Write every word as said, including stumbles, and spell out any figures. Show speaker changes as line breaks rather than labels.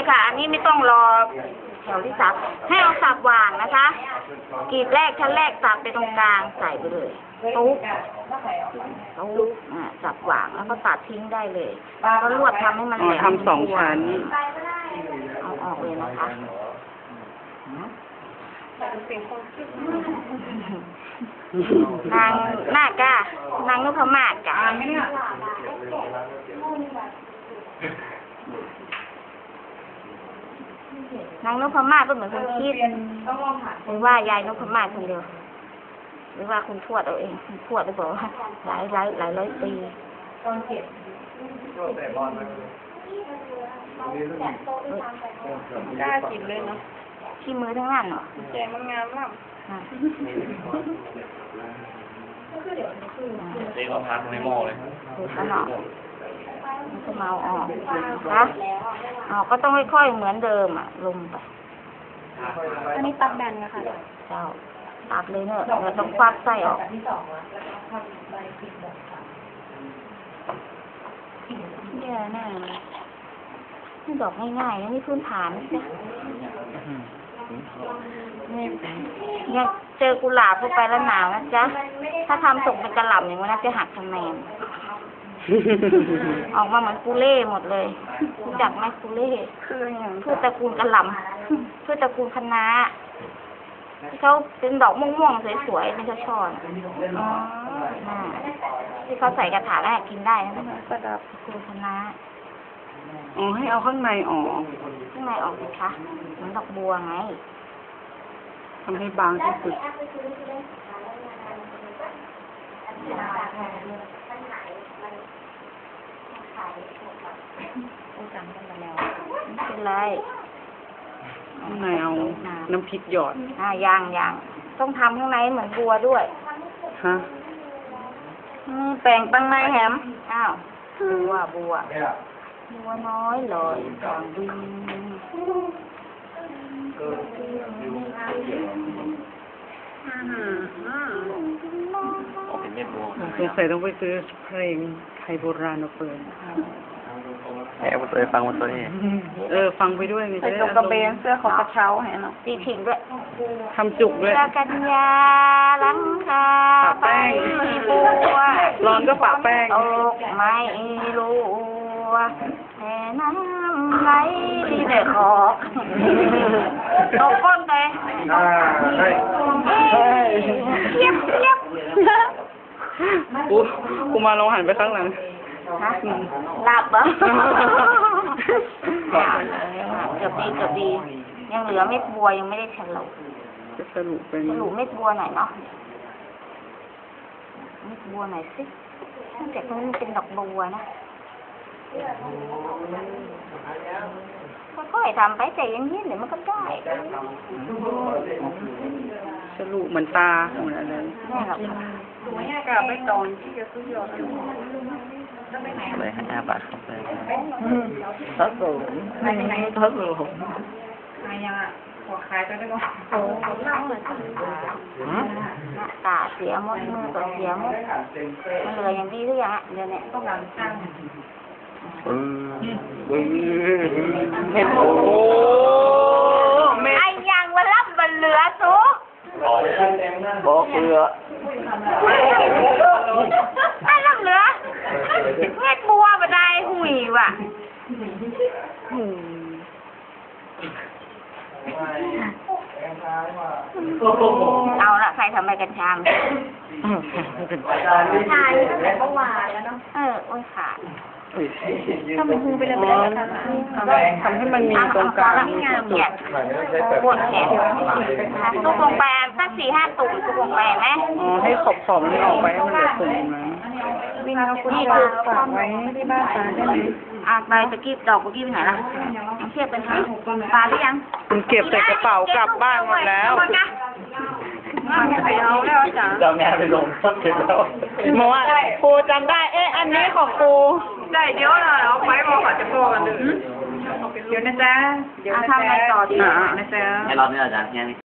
ค่ะ อันนี้ไม่ต้องรอแถวที่สับให้เอาสับวางนะคะกรีดแรกชั้นแรกสับไปตรงกลางใส่ไปเลยตุ๊กตุ๊กอ่าสับวางแล้วก็ตัดทิ้งได้เลยก็ลวดทำให้มันแหลม
ทำสองชั้น
เอาออกเลยนะคะนางนาคก้านางนพมาศกะนางนพมาศก็เหมือนคนคิดหรือว่ายายนพมาศคนเดียวหรือว่าคุณทวดเอาเองคุณทวดได้บอกว่าหลายหลายหลายร้อยปี
กล้ากินเลยเนาะ
ที่มือทั้งนั้นเหรอ
แจมันงามมาก
เจ๊ก็พักในหม้อเลย
ดูขนาดมันจะเมาออกนะอ๋อก็ต้องค่อยๆเหมือนเดิมอ่ะลงไป
อันนี้ตัดแบนนะคะ
เจ้าตัดเลยเนอะเราต้องควักไส้ออกเนี่ยน่ะนี่ดอกง่ายๆนะนี่พื้นฐานนะจ๊ะเนี่ยเจอกุหลาบเข้าไปแล้วหนาวนะจ๊ะถ้าทำส่งเป็นกระหล่ำอย่างนี้นะจะหักคะแนนออกมาเหมือนกุเล่หมดเลยรู้จักไหมกุเล่คืออย่างพืชตระกูลกระหล่ำพืชตระกูลคะน้าที่เขาเป็นดอกม่วงๆสวยๆเป็นช่อๆอ๋อที่เขาใส่กระถางแล้วกินได้นะประดับตระกูลคะน้า
อ๋อให้เอาข้างในออก
ข้างในออกสิคะเหมือนดอกบัวไง
ทำให้บางที่สุด
ไม่เป็นไร
ข้างในเอาน้ำพริกหยอด
อ่ายางยางต้องทำข้างในเหมือนบัวด้วย
ฮะ
แปลงตั้งในแฮมอ้าวบัวบัวบัวน้อยเลยกลางดิน
สงสัยต้องไปซื้อเพลงไทยโบราณมาเปิด
แอบเคยฟังมาตัวนี้
เออฟังไปด้วยไง
ใส่ตรงกระเบนเสื้อของกระเช้าเห็นเนาะ
ตีผิงด้วย
ทำจุกด้วย
กันยาลังคา
ปะแป้งร้อนก็ปะแป้ง
ตกไม่รู้แค่น้ำไหลที่เด็กขอกตกก้นเลยเย็บเย็บ
กูกูมาลองหันไปข้างหลัง
ฮะหลับเหรอเกือบดีเกือบดียังเหลือเม็ดบัวยังไม่ได้ฉลุ
จะสรุปเป็น
ฉลุเม็ดบัวหน่อยเนาะเม็ดบัวหน่อยสิแต่ตรงนี้เป็นดอกบัวนะค่อยๆทำไปใจเย็นๆเดี๋ยวมันก็ได้
สรุปเหมือนตาเหมือนอะไร
นี่หรอก
กับใบตองที่จะซื้อหยอด
อะไรให้อาบาทเข้าไป
ทัศน์ไม่ไม่ทัศน์
อะไรยังอ่ะหัวคล้ายไปได้ก็
โอ้ตาเสียหมดมือก็เสียหมดมันเหลืออย่างดีหรือยังอ่ะเดี๋ยวนี้ต้องการสร้าง
เห็นโอ้
ไอ้ยังวันรับวันเหลือสุก
บอกเหลือ
ไอ้รับเหลือเม็ดบัวบันไดหุยว่ะเอาละใครทำไมกันชามชายตั้งแต่เมื่อวานแล้วเนาะเออโอ้ยขาด
ทำมือไปเลยไปเลย
ทำให้มันมีตรงกลาง
งามเนี่ยปวดแขนตุกลงไปสักสี่ห้าตุ่มตุกลงไปไหม
อ๋อให้ขอบขอบนี่ออกไปให้มันเหลือตุ่มนะ
วินเอาคุณจะฝากไว้ที่บ้านตาได้ไหม
อ่ะใบตะกี้ดอกตะกี้ไปไหนล่ะเทียบเป็นปลาหรือยัง
คุณเก็บใส่กระเป๋ากลับบ้านหมดแล้ว
เอาแล้วจ้ะ
เจ้าแม่ไปลงก็เสร็จแล้ว
มาว่าครูจำได้เอ๊ะอันนี้ของครู
ได้เดี๋ยวเราเอาไปบอกเขาจะโกกันเลยเดี๋ยวนะจ๊ะ
เดี๋ยวนะจ๊ะทำอะไรต่อดี
นะจ๊ะ
ให้เราเนี่ยอาจารย์แค่นี้